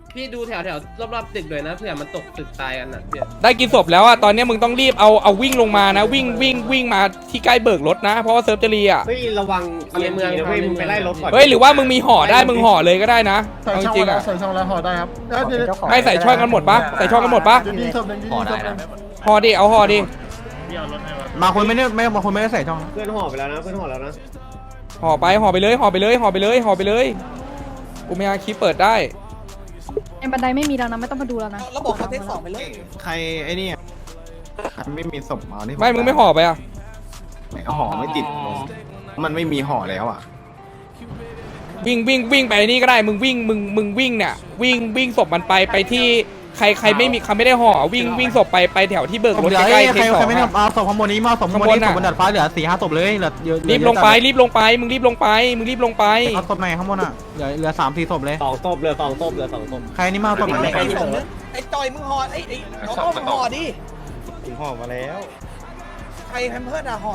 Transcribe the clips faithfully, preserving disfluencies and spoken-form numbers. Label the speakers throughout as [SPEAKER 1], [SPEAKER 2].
[SPEAKER 1] พี่ดูแถวแถวรอบๆตึกเลยนะเผื่อมันตกตึกตายกันนะพี่
[SPEAKER 2] ได้กินศพแล้วอ่ะตอนนี้มึงต้องรีบเอาเอาวิ่งลงมานะวิ่งวิ่งวิ่งมาที่ใกล้เบิกรถนะเพราะว่าเซิร์ฟจะรีอ่ะ
[SPEAKER 3] เฮ้ยระวังในเมืองนะเว้ยมึงไปไล่รถก่อน
[SPEAKER 2] เฮ้ยหรือว่ามึงมีห่อได้มึงห่อเลยก็ได้นะ
[SPEAKER 4] ใส่
[SPEAKER 2] เอาจ
[SPEAKER 4] ช่อง
[SPEAKER 2] ริง
[SPEAKER 4] แล้ว
[SPEAKER 2] อ่ะ
[SPEAKER 4] ใส่ช่องแล้วห่อได้ครับแล้วเดี๋ยว
[SPEAKER 2] ไม่ใส่ช่องกันหมดปะใส่ช่องกันหมดปะ
[SPEAKER 4] เดี๋ยวดีศพหนึ่งดีศพหนึ่ง
[SPEAKER 2] ห่อดิเอาห่อดิ
[SPEAKER 5] มาคนไม่ได้ไม่มาคนไม่ได้ใส่ช่อง
[SPEAKER 3] เพื่อนห่อไปแล้วนะเพื่อนห่อแล้วนะ
[SPEAKER 2] ห่อไปห่อไปเลยห่อไปเลยห่อไปเลยห่อไปเลยกูไม่อาคีเปิดได้
[SPEAKER 6] ในบันไดไม่มีแล้วนะไม่ต้องมาดูแล้วนะ
[SPEAKER 7] แล้วบอกเขาเทคสองไปเลย
[SPEAKER 5] ใครไอ้นี่ไม่มีศพเอานี่
[SPEAKER 2] ไม่มึงไม่ห่อไปอ่ะ
[SPEAKER 5] ไม่ห่อไม่ติดมันไม่มีห่อแล้วอ่ะ
[SPEAKER 2] วิ่งวิ่งวิ่งไปนี่ก็ได้มึงวิ่งมึงมึงวิ่งเนี่ยวิ่งวิ่งศพมันไปไปที่ใครใครไม่มีใครไม่ได้ห่อวิ่งวิ่งศพไปไปแถวที่เบิกรถ
[SPEAKER 5] เหลือ
[SPEAKER 2] ใกล้
[SPEAKER 5] ใค
[SPEAKER 2] ๆ
[SPEAKER 5] ร
[SPEAKER 2] เทคสอ
[SPEAKER 5] ใครง ไม่ได้
[SPEAKER 2] อะ
[SPEAKER 5] เอาศพข้างบนนี้มาศพข้างบนนี้ศพบนดาดฟ้าเหลือสี่ห้าศพเลยเหลือเยอะ
[SPEAKER 2] รีบลงไปรีบลงไปมึงรีบลงไปมึงรีบลงไป
[SPEAKER 5] เอาศพไหนข้างบนอ่ะเหลือเหลือสามสี่ศพเลย
[SPEAKER 3] สองศพเหลือสองศพเหลือสองศพ
[SPEAKER 5] ใครนี่มาศพไหน
[SPEAKER 7] ไอ้สองนึงไอ้จอยมึงหอดไอ้ไอ้น้องต้องมึงหอดดิ
[SPEAKER 3] ผมห่อมาแล้ว
[SPEAKER 7] ใครแพมเพิร์ดอะหอด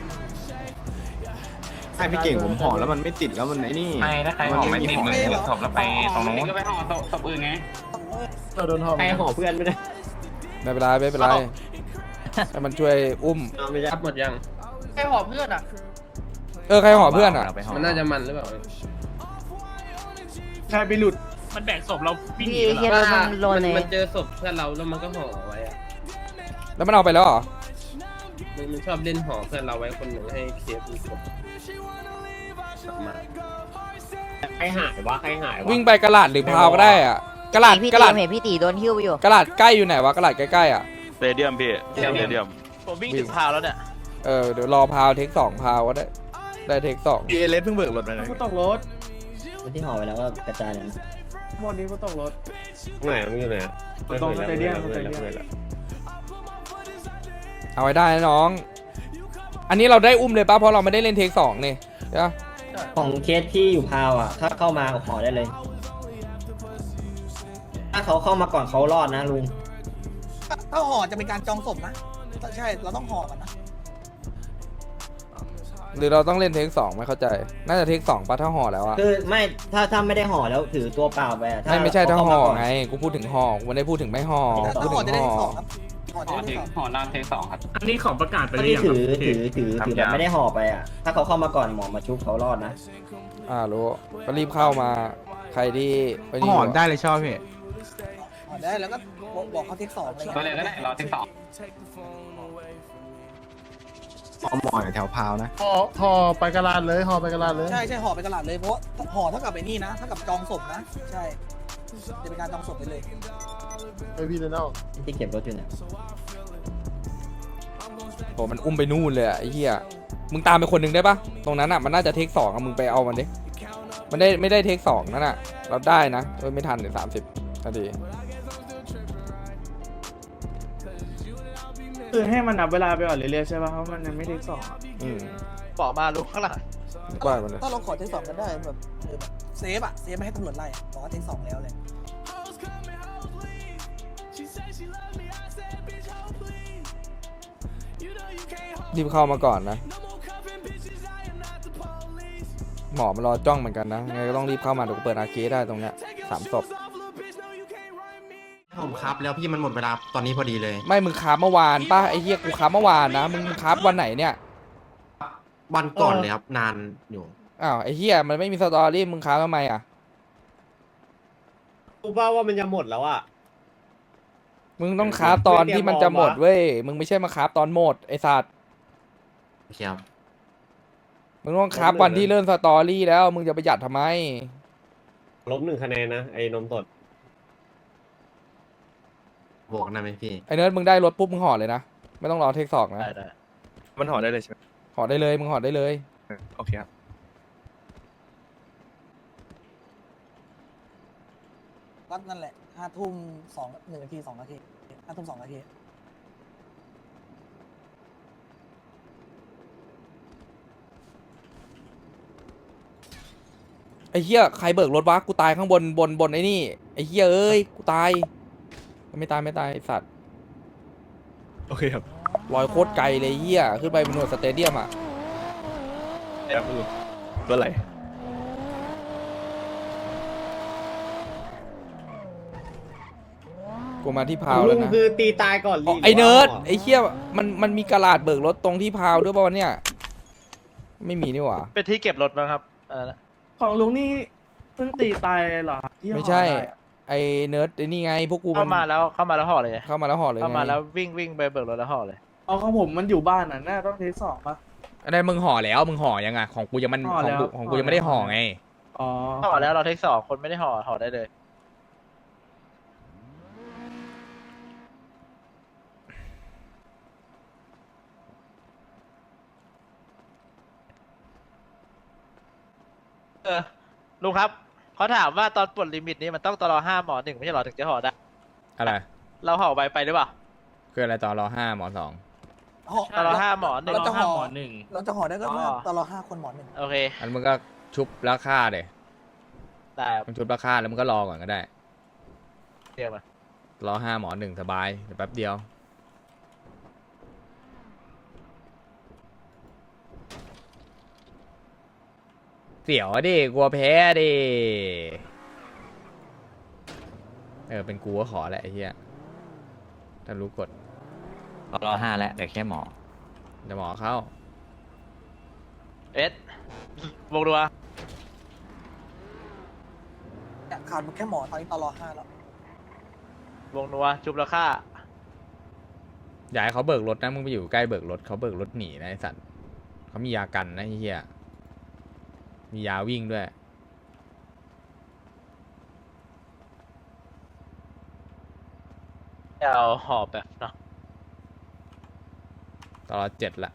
[SPEAKER 5] ใช่พี่เก่งผมห่อแล้วมันไม่ติดแล้วมันไอ้นี่
[SPEAKER 8] ไม่ถ้าใครห่อไม่ติดมือถือศพแล้วไปตรงนู้นก็ไปห่อศพอื่นไง
[SPEAKER 4] เราโดนห่อ
[SPEAKER 3] ใครห่อเพื่อนไม่ได้
[SPEAKER 2] ไม่เป็นไรไม่เป็นไรให้มันช่วยอุ้ม
[SPEAKER 3] ไม่ใช่
[SPEAKER 1] รับหมดยัง
[SPEAKER 7] ใครหอดเพื่อนอะ
[SPEAKER 2] เออใครห่อเพื่อนอ่ะ
[SPEAKER 1] มันน่าจะมันหรือเปล่า
[SPEAKER 3] ใช่ไปหลุด
[SPEAKER 8] มันแบ่งศพเราวิ่งหนี
[SPEAKER 6] พี่
[SPEAKER 8] เหรอ
[SPEAKER 6] เฮียรถมันโล
[SPEAKER 1] มัน
[SPEAKER 6] เน
[SPEAKER 1] มันเจอศพเพื่อนเราแล้วมันก็ห่อไว้อะ
[SPEAKER 2] แล้วมันเอาไปแล้วเหรอ
[SPEAKER 1] มันมันชอบเล่นห่อเพื่อนเราไว้คนหนึ่งให้เคสมีศพกลับมา
[SPEAKER 3] ใครหายวะใครหายวะ
[SPEAKER 2] วิ่งไปกระลาดหรือพาวก็ได้อ่ะกระลาด
[SPEAKER 6] พี่
[SPEAKER 2] กระ
[SPEAKER 6] ตี
[SPEAKER 2] ลาด
[SPEAKER 6] เห็นพี่ตีโดนหิ้วอยู่
[SPEAKER 2] กระลาดใกล้อยู่ไหนวะกระลาดใกล้ๆอ่ะ
[SPEAKER 8] สเตเดียมพี่สเตเดียมผมวิ่งถึงพาวแล้วเนี่ย
[SPEAKER 2] เออเดี๋ยวรอพาวเทคสองพาวก็ได้ได้เทคสอง
[SPEAKER 5] เอเลสเพิ่งเบิกรถไปเลย
[SPEAKER 3] กูตกรถ
[SPEAKER 7] ที่หอดไปแล้วก็กระจายเลย
[SPEAKER 3] หมดนี้กูตกรถไหนมึงอยู่ไหนตรงสเตเดียมสเตเดียม
[SPEAKER 2] เอาไว้ได้นะน้อง อันนี้เราได้อุ้มเลยป่ะเพราะเราไม่ได้เล่นเทคสองนี่ใช่ปะ
[SPEAKER 7] ของเคสที่อยู่พาวอ่ะถ้าเข้ามาหอได้เลย ถ้าเขาเข้ามาก่อนเขารอดนะลุง
[SPEAKER 9] ถ้าห่อจะเป็นการจองศพนะ ใช่ เราต้องห่อก่อนนะ
[SPEAKER 2] หรือเราต้องเล่นเทคสองไม่เข้าใจ น่าจะเทคสองป่ะถ้าห่อแล้วอะ
[SPEAKER 7] คือไม่ถ้าถ้าไม่ได้ห่อแล้วถือตัวเปล่าไปอะ
[SPEAKER 2] ไม่ไม่ใช่ถ้า
[SPEAKER 7] เข
[SPEAKER 2] ห่อ
[SPEAKER 7] เข้มก่น
[SPEAKER 2] ไงกูพูดถึงห่อกูไม่ได้พูดถึงไม่ห่อ
[SPEAKER 9] ถ้า
[SPEAKER 2] พูด
[SPEAKER 9] ห่อ
[SPEAKER 2] ถึ
[SPEAKER 9] จะ
[SPEAKER 2] ง
[SPEAKER 9] ได้
[SPEAKER 2] ห่อ
[SPEAKER 9] ที่สองครับห่อจะ
[SPEAKER 8] ห่อ
[SPEAKER 9] ได้
[SPEAKER 8] ถึ
[SPEAKER 9] ที่
[SPEAKER 8] ง
[SPEAKER 9] สอง
[SPEAKER 8] ห่อล่างเทคสองครับ
[SPEAKER 10] อันนี้ของประกาศไป
[SPEAKER 7] ถ้า
[SPEAKER 10] หรือ
[SPEAKER 7] ที่
[SPEAKER 10] ยัง
[SPEAKER 7] ถือ
[SPEAKER 10] ครับ
[SPEAKER 7] ถือถือถือแบบไม่ได้ห่อไปอ่ะ ถ้าเขาเข้ามาก่อนหมอมาชุบเขารอดนะ
[SPEAKER 2] อ่ารู้ก็รีบเข้ามาใครที่ไปนี่
[SPEAKER 5] ห่อได้เลยชอบพี่
[SPEAKER 9] ห่อได้แล้วก็บอกบอกเขาเทคสองอะไร
[SPEAKER 8] ก็
[SPEAKER 9] เงี้ย
[SPEAKER 8] เลยก็ได้รอเทคสอง
[SPEAKER 5] เอาหมอแถวพาวนะ
[SPEAKER 4] ห่อห่อไปกระลาดเลยห่อไปกระลาดเลย
[SPEAKER 9] ใช่ใช่ห่อไปกระดาษเลยเพราะว่าห่อเท่ากับไอ้นี่นะเท่ากับจองศพนะ ใช่จะเป็นการจองศพไปเลย
[SPEAKER 4] ไอพี่เดนเอา
[SPEAKER 7] ที่เก็บรถอยู่เนี่ย
[SPEAKER 2] โอ้มันอุ้มไปนู่นเลยอะไอ้เหี้ยมึงตามไปคนหนึ่งได้ปะตรงนั้นอะมันน่าจะเทคสองอะมึงไปเอามันดิมันได้ไม่ได้เทคสองนั่นอะเราได้นะเอ้ยไม่ทันเลยสามสิบนาที
[SPEAKER 10] คือให้มันนับเวลาไปก่อนเรื่อยๆใช่ป่ะเพราะมันยังไม่เทคสองอะ
[SPEAKER 2] อืม
[SPEAKER 8] บอกมาลุกข้างหลัง
[SPEAKER 2] ว่ามันเลย
[SPEAKER 9] ถ้าเราขอเทคสองกันได้แบบเออแบบเซฟอะเซฟไม่ให้ตำรวจไล่อะบอกว่าเทคสองแล้วเลย
[SPEAKER 2] รีบเข้ามาก่อนนะ หมอมารอจ้องเหมือนกันนะไงก็ต้องรีบเข้ามาเดี๋ยวกูเปิดอาร์เคได้ตรงเนี้ยสามศพ
[SPEAKER 5] ผมครับแล้วพี่มันหมดเวลาตอนนี้พอดีเลย
[SPEAKER 2] ไม่มึงค้าเมื่อวานป่ะไอ้เหี้ยกูค้าเมื่อวานนะมึงค้าวันไหนเนี่ย
[SPEAKER 5] วันก่อนเลยครับนานอยู่
[SPEAKER 2] อ้าวไอ้เหี้ยมันไม่มีสตอรี่มึงค้าทำไมอ่ะ
[SPEAKER 3] กูว่าว่ามันจะหมดแล้วอ่ะ
[SPEAKER 2] มึงต้องค้าตอนที่มันจะหมดเว้ยมึงไม่ใช่มาค้าตอนหมดไอ้สัตว์
[SPEAKER 5] ครับ
[SPEAKER 2] มึงต้องค้าวันที่เริ่มสตอรี่แล้วมึงจะประหยัดทำไม
[SPEAKER 3] ลบหนึ่งคะแนนนะไอ้นมสด
[SPEAKER 5] บอกนะไหมพี่
[SPEAKER 2] ไอ้เนิร์ดมึงได้รถปุ๊บมึงห่อเลยนะไม่ต้องรอเทคสองนะ
[SPEAKER 8] ได้ได้
[SPEAKER 10] มันห่อได้เลยใช่ไหม
[SPEAKER 2] ห่อได้เลยมึงห่อได้เลย
[SPEAKER 10] โอเคครับ
[SPEAKER 9] ก็นั่นแหละห้าทุ่มสองหนึ่งนาทีสองนาทีห้าทุ่มสองนาที
[SPEAKER 2] ไอ้เหี้ยใครเบิกรถวะกูตายข้างบนบนบนไอ้นี่ไอ้เหี้ยเอ้ยกูตายไม่ตายไม่ตายไอ้สัตว์
[SPEAKER 10] โอเคครับ
[SPEAKER 2] ลอยโคตรไกลเลยเหี้ยขึ้นไปบนหน่วยสเตเดียมอ่ะ
[SPEAKER 10] แล้วคุณลุงตัวอะไร
[SPEAKER 2] กูมาที่พาว
[SPEAKER 3] ลุ
[SPEAKER 2] แล้ว
[SPEAKER 3] ง
[SPEAKER 2] นะ
[SPEAKER 3] คือตีตายก่อน
[SPEAKER 2] อ๋อไอ้เนิร์ดไอ้เหี้ยมันมันมีกระดาษเบิกรถตรงที่พาวด้วยป่าวะเนี่ยไม่มีนี่หว่า
[SPEAKER 8] เป็นที่เก็บรถมั้งครับเออ
[SPEAKER 3] ของลุงนี่เพิ่งตีตายเหรอที่
[SPEAKER 2] ไม่ใช่ไอ้เนิร์ดไอ้นี่ไงพวกกู
[SPEAKER 8] เข้ามาแล้วเข้ามาแล้วห่อเลย
[SPEAKER 2] เข้ามาแล้วห่อเลย
[SPEAKER 8] เข้ามา
[SPEAKER 2] ไง
[SPEAKER 8] แล้ววิ่งวิ่งไปเบิกรถแล้วห่อเลย
[SPEAKER 3] อ๋อของผมมันอยู่บ้านน่ะน่าต้องเทสสองป่ะ
[SPEAKER 2] อะไรมึงห่อแล้วมึงห่อยังไงของกูยังมัน
[SPEAKER 3] ห่อ
[SPEAKER 2] ข
[SPEAKER 3] แล้
[SPEAKER 2] อง
[SPEAKER 3] ว
[SPEAKER 2] กูของกูยังไม่ได้ห่อไง
[SPEAKER 3] อ๋อ
[SPEAKER 8] ห่อแล้วเราเทคสองคนไม่ได้ห่อห่อได้เลยเออลุงครับเขาถามว่าตอนปลดลิมิตนี้มันต้องตลอห้าหมอหนึ่งไม่ใช่หรอถึงจะห่อได้
[SPEAKER 2] อะไร
[SPEAKER 8] เราห่อไปไปหรือเปล่า
[SPEAKER 2] คืออะไรต่อรอห้าหมอสอง
[SPEAKER 9] ห่อ
[SPEAKER 8] ตลอห้าหมอหนึ่ง
[SPEAKER 9] เราจะห่อ
[SPEAKER 6] หมอหนึ่ง
[SPEAKER 9] เราจะห่อได้ก็เมื่อ
[SPEAKER 8] อ๋อ
[SPEAKER 9] ตลอดห้าคนหมอหนึ่ง
[SPEAKER 8] โอเค
[SPEAKER 2] อันมึงก็ชุบราคาเดี๋ย
[SPEAKER 8] ได้
[SPEAKER 2] มึงชุบราคาแล้วมึงก็รอก่อนก็ได้
[SPEAKER 8] เรียกมา
[SPEAKER 2] รอห้าหมอหนึ่งสบายเดี๋ยวแป๊บเดียวเสียวอะดิกลัวแพ้ดิเออเป็นกูก็ขอแหละไอ้เหี้ยถ้ารู้กฎ
[SPEAKER 5] รอห้าแล้วเดี๋ยวแค่หมอ
[SPEAKER 2] เดี๋ยวหมอเข้า
[SPEAKER 8] เอสวงดัว
[SPEAKER 9] เนี่ยขาดแค่หมอตอนนี้ตลอดห้าแล้ว
[SPEAKER 8] วงนัวจุบราคา
[SPEAKER 2] อย่าให้เขาเบิกรถนะมึงไปอยู่ใกล้เบิกรถเขาเบิกรถหนีนะไอ้สัตว์เขามียากันนะไอ้เหี้ยมียาวิ่งด้วย
[SPEAKER 8] เอาหอบแบบเนาะ
[SPEAKER 2] ตลอดเจ็ดละ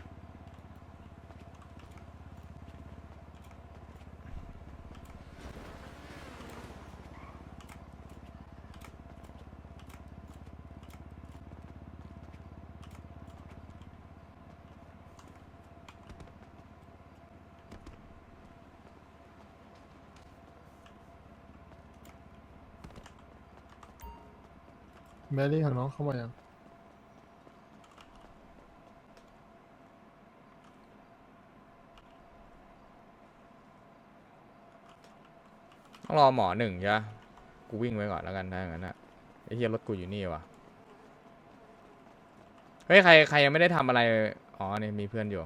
[SPEAKER 4] แมรี่ของน้องเข้ามายัง
[SPEAKER 2] ต้องรอหมอหนึ่งใช่ปะกูวิ่งไว้ก่อนแล้วกันถ้าอย่างนั้นอะไอ้เหี้ยรถกูอยู่นี่วะเฮ้ยใครใครยังไม่ได้ทำอะไรอ๋อนี่มีเพื่อนอยู่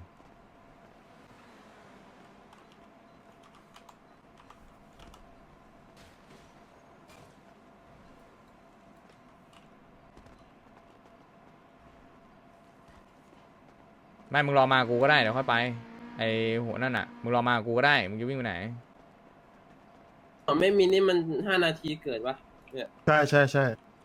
[SPEAKER 2] ไม่มึงรอมากูก็ได้เดี๋ยวค่อยไปไอหัวนั่นอ่ะมึงรอมากูก็ได้มึงจะวิ่งไปไหน
[SPEAKER 1] อ๋อไม่มีนี่มันห้านาทีเกิดวะเนี่ย
[SPEAKER 4] ใช่ใช่ใช่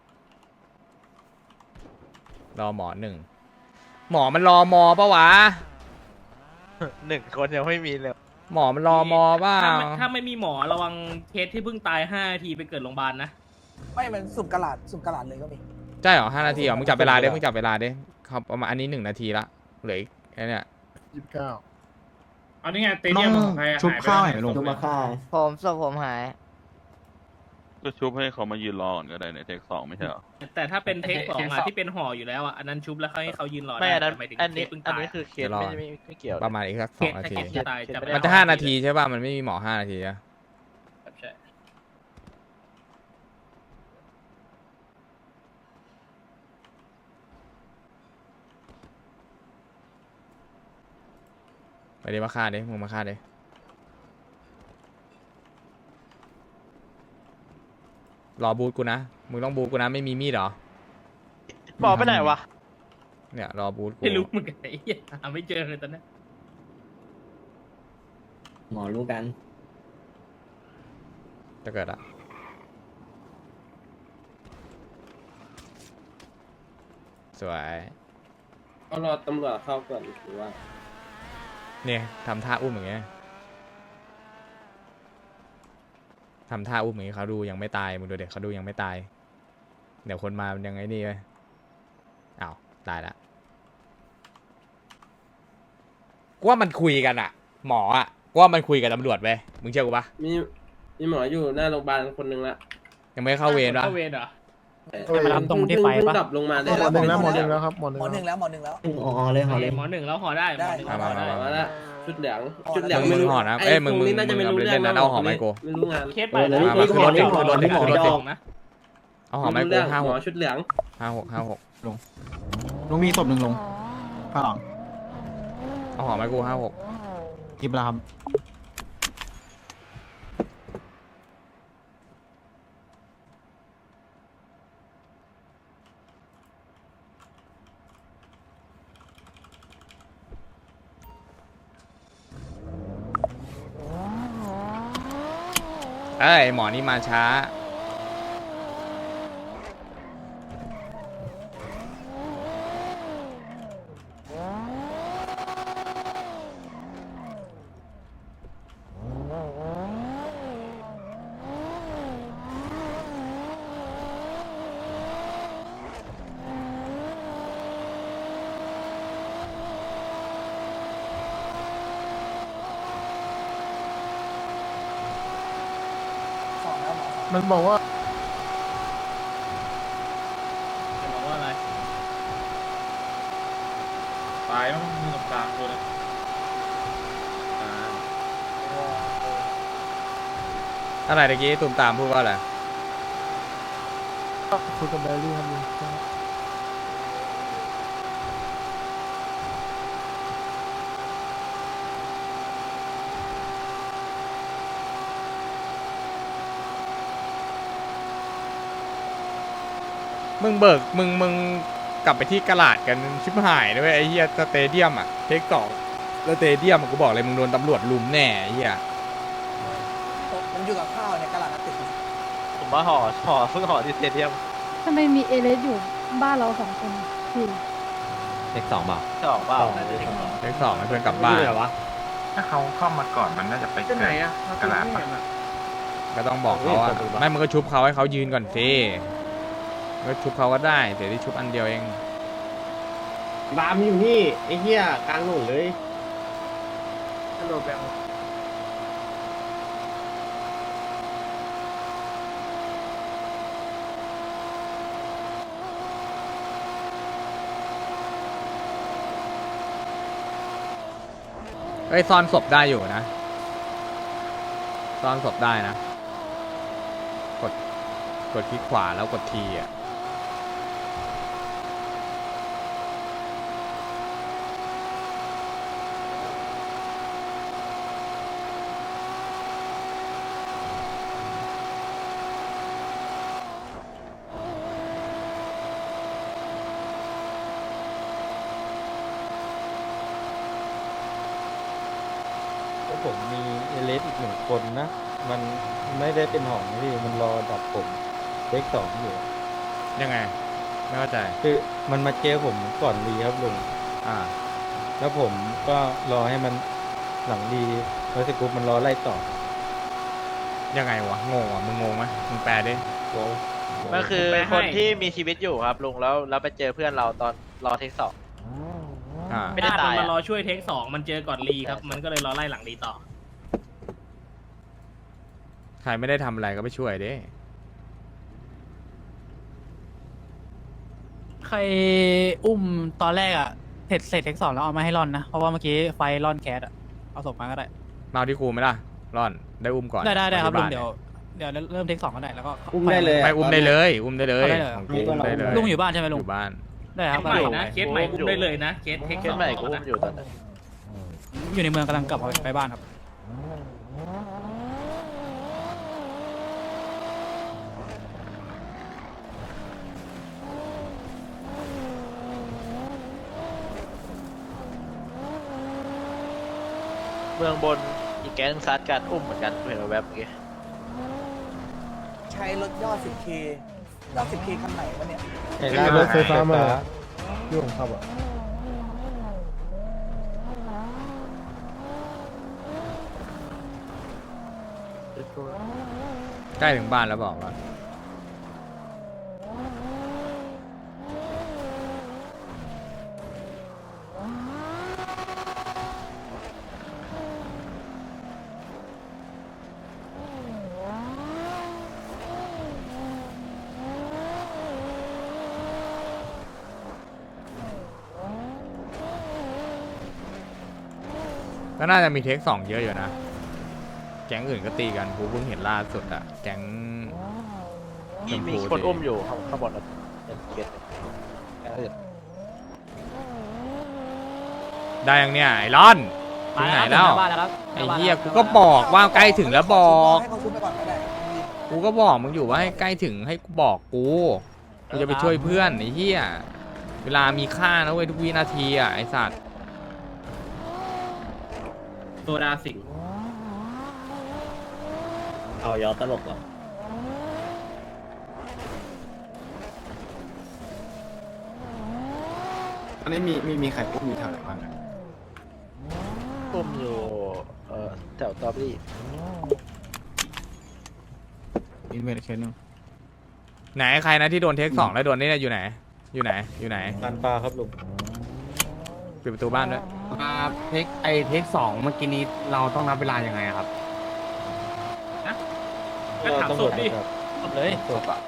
[SPEAKER 2] รอหมอหนึ่งหมอมันรอมอปะวะ
[SPEAKER 8] หนึ่งคนยังไม่มีเลย
[SPEAKER 2] หมอมันรอมอเปล่า
[SPEAKER 11] ถ้าไม่ถ้าไม่มีหมอระวังเคสที่เพิ่งตายห้านาทีไปเกิดโรงพยาบาลนะ
[SPEAKER 9] ไม่มันสุ่มกระดาษสุ่มกระดาษเลยก็มี
[SPEAKER 2] ใช่เหรอห้านาทีเหรอมึงจับเวลาดิมึงจับเวลาดิครับประมาณอันนี้หนึ่งนาทีละเหลืออีกไอ้เนี่ย
[SPEAKER 4] ยี่สิบเก้า
[SPEAKER 11] เอานี่ไงเตเดียมของใครอะ
[SPEAKER 5] ชุบข้าว
[SPEAKER 11] ห
[SPEAKER 5] ให้
[SPEAKER 11] ยไป
[SPEAKER 5] ลง
[SPEAKER 7] จุมาฆ่า
[SPEAKER 6] ผมศพผมหาย
[SPEAKER 10] ก็ชุบให้เขามายืนรอก่อนก็ได้ในเทคสองไม่ใช่เหรอ
[SPEAKER 11] แต่ถ้าเป็นเทคสองอะที่เป็นห่ออยู่แล้วอะอันนั้นชุบแล้วให้เขายืนรอ
[SPEAKER 8] ไม่
[SPEAKER 11] ได้
[SPEAKER 8] อันนั้น
[SPEAKER 11] แต่หมายถึง
[SPEAKER 8] อัน
[SPEAKER 11] เค
[SPEAKER 8] นี้
[SPEAKER 11] สเพิ่ง
[SPEAKER 8] อัน
[SPEAKER 11] ตาย
[SPEAKER 8] นี้คือเคสไม่ไม่ไม่เกี่ยว
[SPEAKER 2] ประมาณอีกสักส
[SPEAKER 11] เค
[SPEAKER 2] อง
[SPEAKER 11] ส
[SPEAKER 2] นา
[SPEAKER 11] แค่
[SPEAKER 2] ที
[SPEAKER 11] เคสที่ตายจะไม่ได้
[SPEAKER 2] มันจะห้านาทีใช่ป่ะมันไม่มีหมอห้านาทีอะ
[SPEAKER 11] ใช่
[SPEAKER 2] ไปดิมาฆ่าดิมึงมาฆ่าดิรอบูทกูนะมึงต้องบูทกูนะไม่มีมีดเหรอ
[SPEAKER 8] หมอไปไหนวะ
[SPEAKER 2] เนี่ยรอบูทกู
[SPEAKER 11] ไม่รู้เหมือนกันไอ้เหี้ยหาไม่เจอเลยตอนนี้
[SPEAKER 7] หมอรู้กัน
[SPEAKER 2] จะเกิดอะสวย
[SPEAKER 1] เอารอตำรวจเข้าก่อนหรือว่า
[SPEAKER 2] เนี่ยทำท่าอุ้มอย่างเงี้ยทำท่าอุ้มอย่างเงี้ยเขาดูยังไม่ตายมึงดูเด็กเขาดูยังไม่ตายเดี๋ยวคนมามันยังไงนี่ไว้อ้าวตายละกูว่ามันคุยกันอะหมออะกูว่ามันคุยกับตำรวจไปมึงเชื่อกูปะ
[SPEAKER 1] มีมีหมออยู่หน้าโรงพยาบาลคนหนึ่งละ
[SPEAKER 2] ยังไม่เข้าเวรปะ
[SPEAKER 11] เข้าเวรเหรอ
[SPEAKER 1] มารับตรงที่ไฟปะดับลงมาได้
[SPEAKER 4] หมอหนึ่งแล้วหมอหนึ่งแล้วครับหมอหนึ่ง
[SPEAKER 9] หมอหนึ่ง
[SPEAKER 4] แล้ว
[SPEAKER 9] แล้วหมอหนึ่งแล้ว
[SPEAKER 7] อ๋อเลยหอเลย
[SPEAKER 11] หมอหนึ่งแล้วห่อได้หมอหนึ่ง
[SPEAKER 9] ได้
[SPEAKER 11] ห่อได้
[SPEAKER 1] มาละชุดเหลืองชุดเหลื
[SPEAKER 2] เดี๋
[SPEAKER 1] อย ง
[SPEAKER 2] วมึ
[SPEAKER 1] ไม่
[SPEAKER 2] ง
[SPEAKER 1] รู้
[SPEAKER 2] ห่อนะเอ้ยมึง
[SPEAKER 1] ต
[SPEAKER 2] มึ
[SPEAKER 1] รง
[SPEAKER 2] ง
[SPEAKER 1] นี้น่าจะไม่รู้
[SPEAKER 2] มึง
[SPEAKER 1] เรื่
[SPEAKER 2] เล่
[SPEAKER 1] อง
[SPEAKER 2] นนะเอาห่อไหมกู
[SPEAKER 1] ไม่รู้งาน
[SPEAKER 11] เคสไป
[SPEAKER 7] เออแล้ว
[SPEAKER 2] มา
[SPEAKER 7] นี่
[SPEAKER 2] ขึ้นรถดิ
[SPEAKER 7] หมอ
[SPEAKER 2] ขึ้นรถดิ
[SPEAKER 7] หมอ
[SPEAKER 2] ขึ้นรถดิ
[SPEAKER 7] ดอก
[SPEAKER 11] นะ
[SPEAKER 2] เอาหอมไม้
[SPEAKER 1] รู้
[SPEAKER 2] กู
[SPEAKER 1] เรื่อง
[SPEAKER 2] ห้า
[SPEAKER 1] ห
[SPEAKER 2] ห
[SPEAKER 1] มอก ชุดเหลือง
[SPEAKER 2] ห้าหกห้าหก
[SPEAKER 5] ลุงมีศพหนึ่งลงข้างหลัง
[SPEAKER 2] เอาหอมไม้กูห้าหก
[SPEAKER 5] กิบแล้วครับ
[SPEAKER 2] เอ้ยหมอนี่มาช้า
[SPEAKER 4] มันบอกว่า
[SPEAKER 11] จะบอกว่าอะไร ตายมั้งมีตรงกลางตัวนึง
[SPEAKER 2] อะไรตะกี้ตุ่มตามพูดว่าอะไร
[SPEAKER 4] คุยกับแบรี่ครับลุง
[SPEAKER 2] มึงเบิกมึงมึงกลับไปที่กระลาดกันชิบหายด้วยไอ้เหี้ยสเตเดียมอะเทคสองสเตเดียมอะกูบอกเลยมึงโดนตำรวจลุมแน่ไอ้เหี้ย
[SPEAKER 9] ผมอยู่กับข้าวในกระดาษติด
[SPEAKER 8] ผมว่าห่อห่อเพิ่งห่อที่สเตเดียม
[SPEAKER 6] ทำไมมีเอเลสอยู่บ้านเราสองคนพี่
[SPEAKER 7] เลขสองเปล่า
[SPEAKER 8] สองเปล่าน่าจะเทคสอง
[SPEAKER 2] เทคสองให้เพื่อนกลับบ้าน
[SPEAKER 3] เหรอวะ
[SPEAKER 5] ถ้าเขาเข้ามาก่อนมันน่าจะไป
[SPEAKER 1] ที่ไหนอะ
[SPEAKER 5] กระลาด
[SPEAKER 2] ก็ต้องบอกเขาว่าไม่มึงก็ชุบเขาให้เขายืนก่อนสิก็ชุบเขาก็ได้เดี๋ยวที่ชุบอันเดียวเอง
[SPEAKER 3] บามอยู่นี่ไอ้เหี้ยกลางหนุนเลย
[SPEAKER 1] ฮัลโหลแบง
[SPEAKER 2] เอ้ยซ่อนศพได้อยู่นะซ่อนศพได้นะ กดกดคลิกขวาแล้วกดทีอ่ะผมมีเอเลสอีกหนึ่งคนนะ มันไม่ได้เป็นหองพี่มันรอดับผมเลขสองอยู่ยังไงไม่เข้าใจคือมันมาเจอผมก่อนรีครับลุงอ่าแล้วผมก็รอให้มันหลังรีแล้วสกุปมันรอไล่ต่อยังไงวะงงวะมึงงงไหมมึงแปลดิงง
[SPEAKER 8] มันคือ
[SPEAKER 11] แปลให้
[SPEAKER 8] คนที่มีชีวิตอยู่ครับลุงแล้วแล้วไปเจอเพื่อนเราตอนรอเทคสอง
[SPEAKER 2] อ่า
[SPEAKER 8] ไม่ได้
[SPEAKER 11] ญาติ
[SPEAKER 8] ตาย
[SPEAKER 11] มัน
[SPEAKER 8] อะ
[SPEAKER 11] มารอช่วยเทคสองมันเจอก่อนรีครับ มันก็เลยรอไล่หลังรีต่อ
[SPEAKER 2] ใครไม่ได้ทำอะไรก็ไปช่วยดิ
[SPEAKER 12] ใครอุ้มตอนแรกอะเสร็จเสร็จเทคสองแล้วเอามาให้ร่อนนะ เพราะว่าเมื่อกี้ไฟร่อนแคสอะเอาศพมาก็ได้
[SPEAKER 2] มาเอาที่กูไหมล่ะร่อนได้อุ้มก่อน
[SPEAKER 12] ได้ได้ได้ครับ
[SPEAKER 2] ป
[SPEAKER 12] ลุง
[SPEAKER 2] ที่าน
[SPEAKER 12] เดี๋ยวเดี๋ยวเริ่มเทคสองก็ได้แล้วก็
[SPEAKER 7] อุ้มได้เลย
[SPEAKER 2] ไปอุ้มได้เลยอุ้มได้เลย
[SPEAKER 12] เอาได้เลย
[SPEAKER 2] ของกูอุ้มได้เลย
[SPEAKER 12] ลุงอยู่บ้านใช่ไหมลุ
[SPEAKER 2] อง ยู่บ้าน
[SPEAKER 12] ได้
[SPEAKER 11] เค
[SPEAKER 12] ครับ
[SPEAKER 11] สใหม่นะ เคสใหม่อุ้มได้เลยนะ เคสเทค
[SPEAKER 8] เค
[SPEAKER 11] ส
[SPEAKER 8] ส
[SPEAKER 11] อง
[SPEAKER 8] ใหม่กูอุ้มอยู่ตอนนั้น
[SPEAKER 12] อยู่ในเมืองกำลังกลับไปบ้านครับ
[SPEAKER 8] เมืองบนอีกแก๊งซัดกันอุ้มเหมือนกันเห็นแวบๆเมื่อกี้
[SPEAKER 9] ใช้รถยอด สิบเค ยอด สิบเค คันไหนวะเนี่ย
[SPEAKER 4] เห็นรถไฟฟ้ามาที่ผมขับอ่ะ
[SPEAKER 2] ใกล้ถึงบ้านแล้วบอกว่า ก็น่าจะมีเทคสองเยอะอยู่นะ แก๊งอื่นก็ตีกันกูเพิ่งเห็นล่าสุดอะแก๊ง
[SPEAKER 8] มีมีคนอุ้มอยู่ข้างข้างบนครับเกต
[SPEAKER 13] ได้ยังเนี่ยไอรอนถึงไหนแล้วไอ้เหี้ยกูก็บอกว่าใกล้ถึงแล้วบอก
[SPEAKER 9] ให้เขาชุบไปก่อนก็ได้
[SPEAKER 13] กูก็บอกมึงอยู่ว่าให้ใกล้ถึงให้กูบอกกูกูจะไปช่วยเพื่อนไอ้เหี้ยเวลามีค่านะเว้ยทุกวินาทีอ่ะไอสัตว์
[SPEAKER 11] โซดาสิง
[SPEAKER 7] เอายอตลกเหรอ
[SPEAKER 5] อันนี้มีมีมีใครอุ้มอยู่แถวไหนบ้างอะ
[SPEAKER 8] อุ้มอยู่เอ่อแถวตอรี่
[SPEAKER 2] อีเวนต์แค่นึง
[SPEAKER 13] ไหนใครนะที่โดนเทคสองแล้วโดนนี่เนี่ยอยู่ไหนอยู่ไหนอยู่ไหน
[SPEAKER 2] ลานปลาครับลุง
[SPEAKER 13] ปิดประตูบ้านด้วย
[SPEAKER 3] เทคไอเทคสองเมื่อกี้นี้เราต้องนับเวลายังไงครับ
[SPEAKER 11] ก็ถามศพดิ
[SPEAKER 12] เลย
[SPEAKER 2] ศพอะ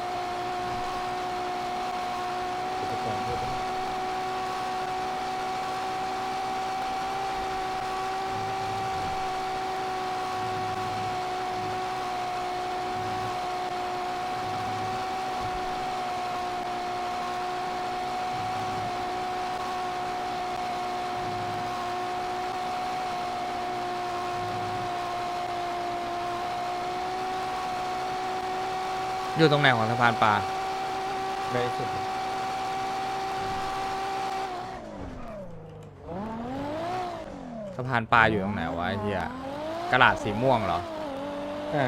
[SPEAKER 13] อยู่ตรงไหนของสะพานปลา
[SPEAKER 2] ได้สุด
[SPEAKER 13] สะพานปลาอยู่ตรงไหนวะไอ้เหี้ยกระดาษสีม่วงเหรอ
[SPEAKER 2] อ่า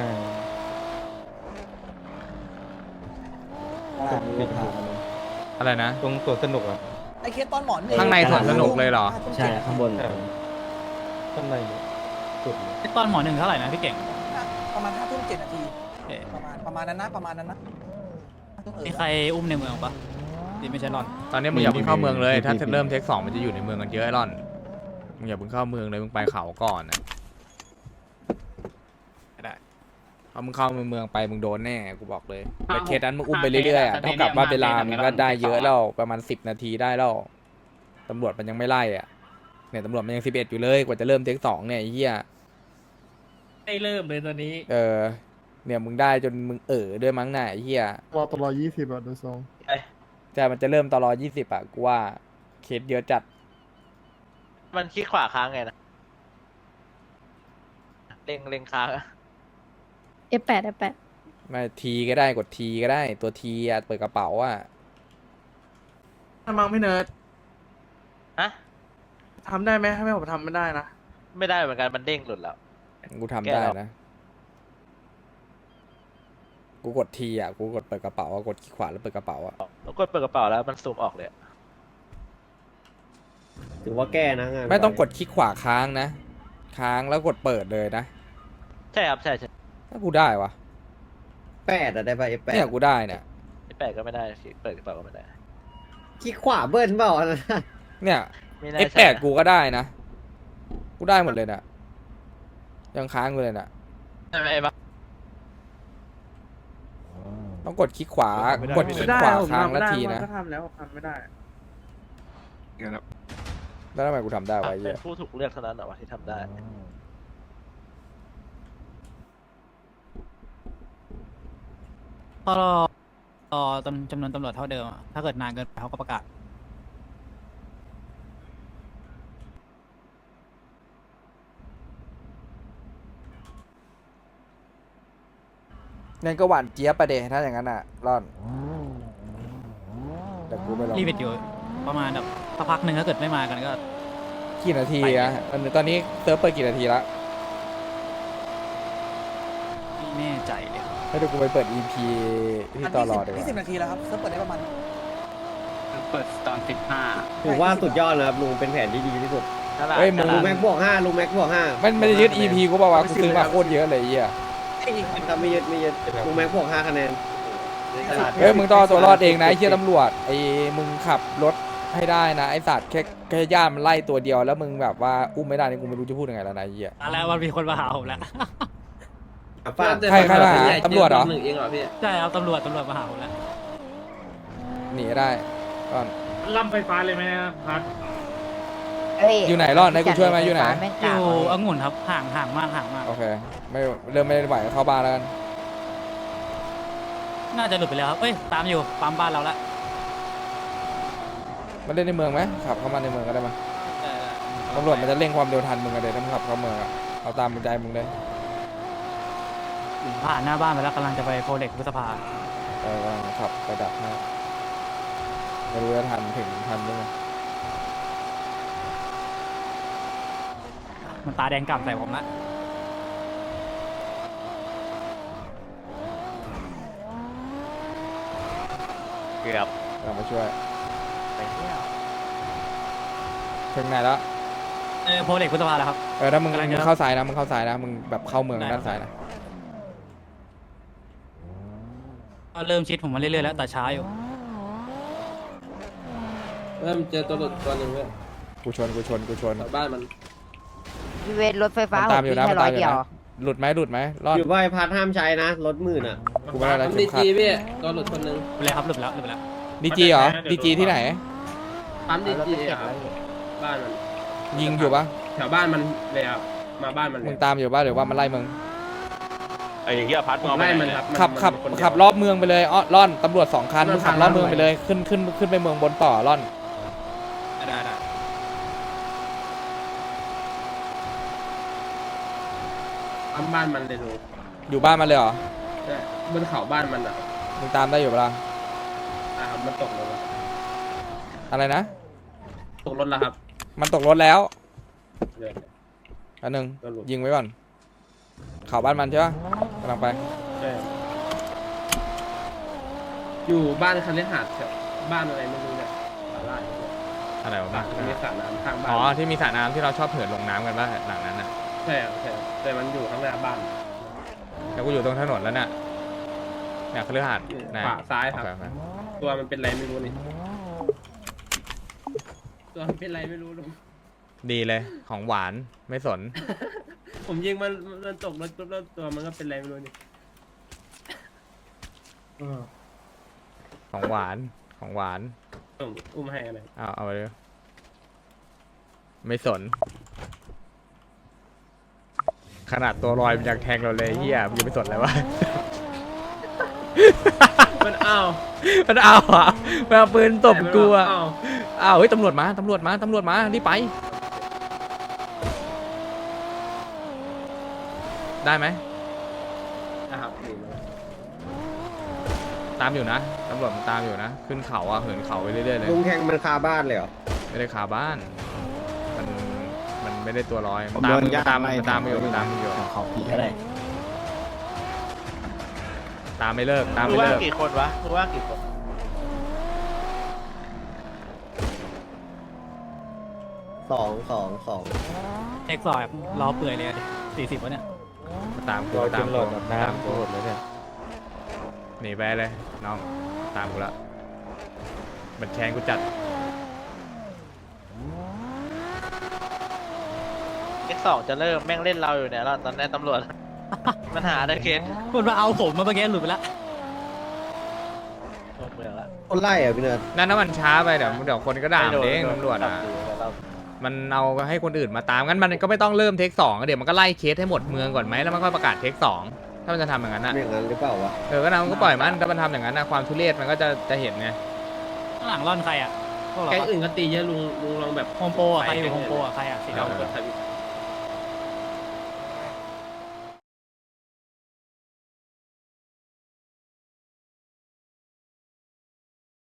[SPEAKER 7] ตลาดนี้ผ่านมาเลย
[SPEAKER 13] อะไรนะ
[SPEAKER 2] ตรงตัวสนุกอ่ะ
[SPEAKER 9] ไอเคสตอนหมอน
[SPEAKER 13] ข้างในสวนสนุกเลยเหรอ
[SPEAKER 7] ใช่ข้างบน
[SPEAKER 2] ข้างในเนี่ยสุดเลย
[SPEAKER 12] ตอนหมอหนึ่งเท่าไหร่นะพี่เก่ง
[SPEAKER 9] ประมาณห้าทุ่มเจ็ดนาที
[SPEAKER 12] เอ๊ะ
[SPEAKER 9] ประมาณประมาณนั้นนะประมาณนั้นนะ
[SPEAKER 12] มีใครอุ้มในเมืองปะที่ไม่ใช่รอน
[SPEAKER 13] ตอนนี้มึงอย่าเพิ่งเข้าเมืองเลยถ้าเริ่มเทคสองมันจะอยู่ในเมืองกันเยอะไอ้ร่อนมึงอย่าเพิ่งเข้าเมืองเลยมึงไปเขาก่อนนะได้พอมึงเข้าเมืองไปมึงโดนแน่กูบอกเลยแต่เคสนั้นมึงอุ้มไปเรื่อยๆอะเท่ากับว่าเวลามึงก็ได้เยอะแล้วประมาณสิบนาทีได้แล้วตำรวจมันยังไม่ไล่อ่ะเนี่ยตำรวจมันยังสิบเอ็ดอยู่เลยกว่าจะเริ่มเทคสองเนี่ยไอ้เหี้ย
[SPEAKER 11] ได้เริ่มเลยตอนนี้
[SPEAKER 13] เออเนี่ยมึงได้จนมึงเออด้วยมั้งน่ะไอ้เหี้ย
[SPEAKER 4] รอตลอดยี่สิบอ่ะดูทรง
[SPEAKER 13] ใช่มันจะเริ่มตลอดยี่สิบอ่ะกูว่าเคสเยอะจัด
[SPEAKER 8] มันคลิกขวาค้างไงนะเล็งเล็งค้างอะ
[SPEAKER 6] เอฟแปดเอฟแปด
[SPEAKER 13] ไม่ทีก็ได้กดทีก็ได้ตัวทีอ่ะเปิดกระเป๋าอ่ะ
[SPEAKER 3] ทำมังพี่เนิร์ด
[SPEAKER 8] ฮะ
[SPEAKER 3] ทำได้ไหมให้ผมทำไม่ได้นะ
[SPEAKER 8] ไม่ได้เหมือนกันมันเด้งหลุดแล้ว
[SPEAKER 13] กูทำได้นะกูกดทีอ่ะกูกดเปิดกระเป๋าอ่ะกดคลิกขวาแล้วเปิดกระเป๋าอ่ะ
[SPEAKER 8] แล้วกดเปิดกระเป๋าแล้วมันซูมออกเลยอะ
[SPEAKER 7] ถือว่าแก้นะงาน
[SPEAKER 13] ไม่ต้องกดคลิกขวาค้างนะค้างแล้วกดเปิดเลยนะ
[SPEAKER 8] ใช่ครับใช่ใช่
[SPEAKER 13] ถ้ากูได้วะ
[SPEAKER 7] แปดอะได้ป่ะเอฟแปด
[SPEAKER 13] เนี่ยกูได้เนี่ย
[SPEAKER 8] แปดก็ไม่ได้เปิดกระเป๋าก็ไม่ได้
[SPEAKER 7] ขี้ขวาเบิ้ลเปล่าอันนั้น
[SPEAKER 13] เนี่ย
[SPEAKER 8] ไม่น่า
[SPEAKER 13] เอฟ
[SPEAKER 8] ใช่
[SPEAKER 13] แปด
[SPEAKER 8] นะ
[SPEAKER 13] กูก็ได้นะกูได้หมดเลยนะยังค้างกูเลยนะ
[SPEAKER 8] ใช่ไหมไอ้บ้า
[SPEAKER 13] ต้องกดคลิกขวากดคลิ
[SPEAKER 3] ไม่
[SPEAKER 13] ก
[SPEAKER 3] ได้
[SPEAKER 13] ขวา
[SPEAKER 3] ผม
[SPEAKER 13] ค้าง
[SPEAKER 3] ทำ
[SPEAKER 13] แล้ว
[SPEAKER 3] ไม่ได้
[SPEAKER 13] ที
[SPEAKER 3] มัน
[SPEAKER 13] นะ
[SPEAKER 3] ก็ทำแล้วผมทำไม่ได้
[SPEAKER 13] แล้วทำไมกูทำได้วะไอ้
[SPEAKER 8] เป็
[SPEAKER 13] เหี้
[SPEAKER 8] น
[SPEAKER 13] ย
[SPEAKER 8] ผู้ถูกเลือกเท่านั้นเหรอวะที่ทำได้
[SPEAKER 12] พอรอรอจำจำนวนตำรวจเท่าเดิมอะถ้าเกิดนานเกินไปเขาก็ประกาศ
[SPEAKER 13] งั้นก็หวานเจี๊ยบประเดถ้าอย่างนั้นอ่ะร่อนแต่กูไม่ลอง
[SPEAKER 12] รีบไปอยู่ประมาณแบบสักพักหนึ่งถ้าเกิดไม่มากันก็
[SPEAKER 13] กี่นาทีอะตอนนี้ตอนนี้เซิร์ฟเปิดกี่นาทีละ
[SPEAKER 12] ไม่แน่ใจเลย
[SPEAKER 13] ให้ดูกูไปเปิด อี พี ที่ต่อรอดีก
[SPEAKER 9] ยี่สิบ
[SPEAKER 13] ว่า
[SPEAKER 9] นาทีแล้วครับเซิร์ฟเปิดได้ประมาณ
[SPEAKER 11] เปิดตอนสิบห้า
[SPEAKER 7] ถือว่าสุดยอดนะครับลุงเป็นแผนที่ดีที่สุด
[SPEAKER 8] นั่นแหละ
[SPEAKER 13] เฮ้ยมึง
[SPEAKER 7] ลุงแม็กบวกห้าลุงแม็กบวกห้า
[SPEAKER 13] มันไม่ได้ยึด อี พี กูบอกว่าวะกูซื้อมาโคตรเยอะเลยไอ้เหี้ย
[SPEAKER 7] ถ้าไม่ยึดไม่ยึดลุงแม็กบวกห้าคะแนน
[SPEAKER 13] เฮ้ยมึงต้องเอาตัวรอดเองนะไอ้เหี้ยตำรวจไอ้มึงขับรถให้ได้นะไอ้สัตว์แค่แค่ย่านมันไล่ตัวเดียวแล้วมึงแบบว่าอุ้มไม่ได้นี่กูไม่รู้จะพูดยังไงแล้วนะไอ้เหี้ย
[SPEAKER 12] แล้วมันมีคนมาหาผมแล้ว
[SPEAKER 7] ฟาด
[SPEAKER 13] ใครใครมาหาตำรวจเหรอ
[SPEAKER 1] หนึ่งเองเหรอพี่
[SPEAKER 12] ใช่ครับตำรวจตำรวจมาหาผมแล้ว
[SPEAKER 13] หนีได้ก่อน
[SPEAKER 11] ล่ำไฟฟ้าเลยไหมพัด
[SPEAKER 13] อยู่ไหนรอดไหนกูช่วยไหมอยู่ไหน
[SPEAKER 12] อยู่องุ่นครับห่างห่างมากห่างมาก
[SPEAKER 13] โอเคไม่เริ่มไม่ไหวเข้าบ้านแล้วกัน
[SPEAKER 12] น่าจะหลุดไปแล้วครับเอ้ยตามอยู่ปั๊มบ้านเราละ
[SPEAKER 13] มาเล่นในเมืองไหมขับเข้ามาในเมืองก็ได้มาตำรวจมันจะเร่งความเร็วทันมึงกันเลยถ้ามึงขับเข้าเมืองอะเอาตามใจมึงเลย
[SPEAKER 12] ผ่านหน้าบ้านไปแล้วกำลังจะไปโพเล็กพฤษภา
[SPEAKER 13] เออกำลังขับไปดักหน้าไม่รู้จะทันถึงทันหรือเปล่า
[SPEAKER 12] มันตาแดงกล่ำใส่ผมละ
[SPEAKER 8] เกือบ
[SPEAKER 13] กำลังมาช่วย
[SPEAKER 8] ไปเที่ยว
[SPEAKER 13] ถึงไหนแล้ว
[SPEAKER 12] เออโพเล็กพฤษภาแล้วครับ
[SPEAKER 13] เออถ้ามึง
[SPEAKER 12] กำลังจะ
[SPEAKER 13] มึงเข้าซ้ายนะมึงเข้าซ้ายนะมึงแบบเข้าเมือง
[SPEAKER 12] ได้
[SPEAKER 13] ด้านซ้ายนะ
[SPEAKER 12] ก็เริ่มชิดผมมาเรื่อยๆแล้วแต่ช้าอยู่
[SPEAKER 1] เริ่มเจอตัวหลุดตัวหนึ่งเว้ย
[SPEAKER 13] กูชนกูชนกูชน
[SPEAKER 1] แถวบ้านมัน
[SPEAKER 14] พี่เวทรถไฟฟ้า
[SPEAKER 13] มันตามอยู่นะ
[SPEAKER 14] แค่
[SPEAKER 13] มัน
[SPEAKER 14] ร้อ
[SPEAKER 13] ตาย มอยู่
[SPEAKER 14] เดียว
[SPEAKER 13] นะหลุดไหมหลุดไหมรอด
[SPEAKER 3] อยู่ใบพัดห้ามใช้นะรถหมื่นอ่ะ
[SPEAKER 13] กูไม่ได้แล้ว
[SPEAKER 1] ทำ
[SPEAKER 13] เข็
[SPEAKER 1] ดี
[SPEAKER 13] มขัด
[SPEAKER 1] จีพี่ตัวหลุดคนหนึ่ง
[SPEAKER 12] หลุดแล้วครับหลุดแล้วหลุดแล้ว
[SPEAKER 13] ดีจีเหรอดีจีที่ไหน
[SPEAKER 1] ปั๊มดีจีอ่ะบ้านมัน
[SPEAKER 13] ยิงอยู่ปะ
[SPEAKER 1] แถวบ้านมันเลยครับมาบ้านมันเล
[SPEAKER 13] มึ
[SPEAKER 1] ย
[SPEAKER 13] งตามอยู่ปะหรือว่ามันไล่มึง
[SPEAKER 10] ไอ้เหี้ยพัดมึงเอาไป
[SPEAKER 1] ไล่
[SPEAKER 10] ไห
[SPEAKER 1] มัน
[SPEAKER 10] น
[SPEAKER 1] ครับ
[SPEAKER 13] ขับขับ
[SPEAKER 1] มันคนเดียว
[SPEAKER 13] ขับรอบเมืองไปเลยอ้อล่อนตำรวจสองคัน
[SPEAKER 1] มัน
[SPEAKER 13] มึงขับ
[SPEAKER 1] ทาง
[SPEAKER 13] รอบเมือง
[SPEAKER 1] ลัด
[SPEAKER 13] ไปเลยขึ้นขึ้นขึ้นไปเมืองบนต่อล่อน
[SPEAKER 12] ได้ได้
[SPEAKER 1] ปั๊มบ้านมันเลยดู
[SPEAKER 13] อยู่บ้านมันเลยเหรอ
[SPEAKER 1] ใช่บนเขาบ้านมันอ่ะ
[SPEAKER 13] มึงตามได้อยู่ปะล่ะ
[SPEAKER 1] อ่ะครับมันตกรถแล้ว
[SPEAKER 13] อะไรนะ
[SPEAKER 1] ตกรถแล้วครับ
[SPEAKER 13] มันตกรถแล้ว
[SPEAKER 1] เดี๋ยว
[SPEAKER 13] อันหนึ่ง
[SPEAKER 1] ก็หลุด
[SPEAKER 13] ยิงไว้ก่อนข่าวบ้านมันใช่ปะกำลังไป
[SPEAKER 1] ใช่อยู่บ้านคันเลหาดแถวบ้านอะไรไม่รู้เนี่ยสาลาด
[SPEAKER 2] อะไรวะ
[SPEAKER 1] บ้า
[SPEAKER 2] บ้าน
[SPEAKER 1] มีสระน้ำข้างบ้าน
[SPEAKER 2] อ๋อที่มีสระน้ำที่เราชอบเหินลงน้ำกันป่ะหลังนั้นน่ะ
[SPEAKER 1] ใช่ครับใช่ครับแต่มันอยู่ข้างหน้าบ้าน
[SPEAKER 2] แล้วกูอยู่ตรงถนนแล้วเนี่ยเนี่ยคฤหาสน์ไหน
[SPEAKER 1] ขวาซ้ายครับ
[SPEAKER 2] โอเโอเ
[SPEAKER 1] ตัวมันเป็นไรไม่รู้นี่ตัวมันเป็นไรไม่รู้ลุง
[SPEAKER 2] ดีเลยของหวานไม่สน
[SPEAKER 1] ผมยิงมันมันตกรถปุ๊บแล้วตัวมันก็เป็นไรไม่รู้นี่
[SPEAKER 2] ของหวานของหวาน
[SPEAKER 1] ผมอุ้มให้อะไร
[SPEAKER 2] เอาเอาไปเลยไม่สน ขนาดตัวลอยมันยังแทงเราเลยเฮียมันยังไม่สนเลยวะ
[SPEAKER 1] มันอ้าว
[SPEAKER 2] มันเอาอ่ะมันเอาปืนตบกูอ่ะ
[SPEAKER 1] อ้าว
[SPEAKER 2] อ้าวเฮ้ยตำรวจมาตำรวจมาตำรวจมารีบไปได้ไหม
[SPEAKER 1] นะครับนี่นะ
[SPEAKER 2] ตามอยู่นะตำรวจมันตามอยู่นะขึ้นเขาอ่ะเหินเขาไปเรื่อยๆเลย
[SPEAKER 3] ลุงแข่งมันคาบ้านเลยเหรอ
[SPEAKER 2] ไม่ได้คาบ้าน มันมันไม่ได้ตัวลอย
[SPEAKER 5] ผ
[SPEAKER 2] มัน
[SPEAKER 5] ม
[SPEAKER 2] ตาม
[SPEAKER 5] โดน
[SPEAKER 2] มึง
[SPEAKER 5] ญาติ
[SPEAKER 2] ตาม
[SPEAKER 5] ไล่
[SPEAKER 2] มันตามมาอยู่มันตามมาอยู่
[SPEAKER 5] เขาผี
[SPEAKER 7] ก็ได้
[SPEAKER 2] ตามไม่เลิกตาม
[SPEAKER 8] รู้
[SPEAKER 2] ไม่
[SPEAKER 8] ว่า
[SPEAKER 2] เลิก
[SPEAKER 8] กี่คนวะรู้ว่ากี่คน
[SPEAKER 3] สองสองสอง
[SPEAKER 12] เอ็กซ์ซอยล้อเปื่อยเลยสี่สิบวะเนี่ย
[SPEAKER 2] ตามกูรอจตามนหลกูอดแบบตามน้ำกูโคตรเลยเนี่ยหนีไปเลยน้องตามกูละมันแทงกูจัด
[SPEAKER 8] เอ็กซ์สองจะเริ่มแม่งเล่นเราอยู่เนี่ยเราตอนนี้ตำรวจ มันหาได้เคส
[SPEAKER 12] มันมาเอาผมมาเมื่อกี้หลุดไปละ
[SPEAKER 8] หมดเมืองละ
[SPEAKER 3] คนไล่เหรอพี่เนิร์ด
[SPEAKER 2] นั่นถ้ามันช้าไปเดี๋ยวเดี๋ยวคนก็ด่ามันเองตำรวจอ่ะ
[SPEAKER 8] จับอยู่แล้วเรา
[SPEAKER 2] มันเอาให้คนอื่นมาตามงั้นมันก็ไม่ต้องเริ่มเทคสองเดี๋ยวมันก็ไล่เคสให้หมดเมืองก่อนไหมแล้วมันค่อยประกาศเทคสองถ้ามันจะทำอย่างนั้นอ่ะ
[SPEAKER 3] เป็นอย่างนั้นหรือเปล่าวะ
[SPEAKER 2] เออก็นะมันก็ปล่อยมันถ้ามันทำอย่างนั้นนะความทุเรศมันก็จะจะเห็นไง
[SPEAKER 12] ข้างหลังร่อนใครอ่ะพวกเรา
[SPEAKER 1] แก๊ง
[SPEAKER 12] ปะ
[SPEAKER 1] อื่นก็ตีเยอะลุงลุงลองแบบ
[SPEAKER 12] โฮมโปรอ่ะใครอยู่โฮมโปรอ่ะใครอ่ะสี
[SPEAKER 1] เรา
[SPEAKER 12] ดำ
[SPEAKER 1] กดทวิต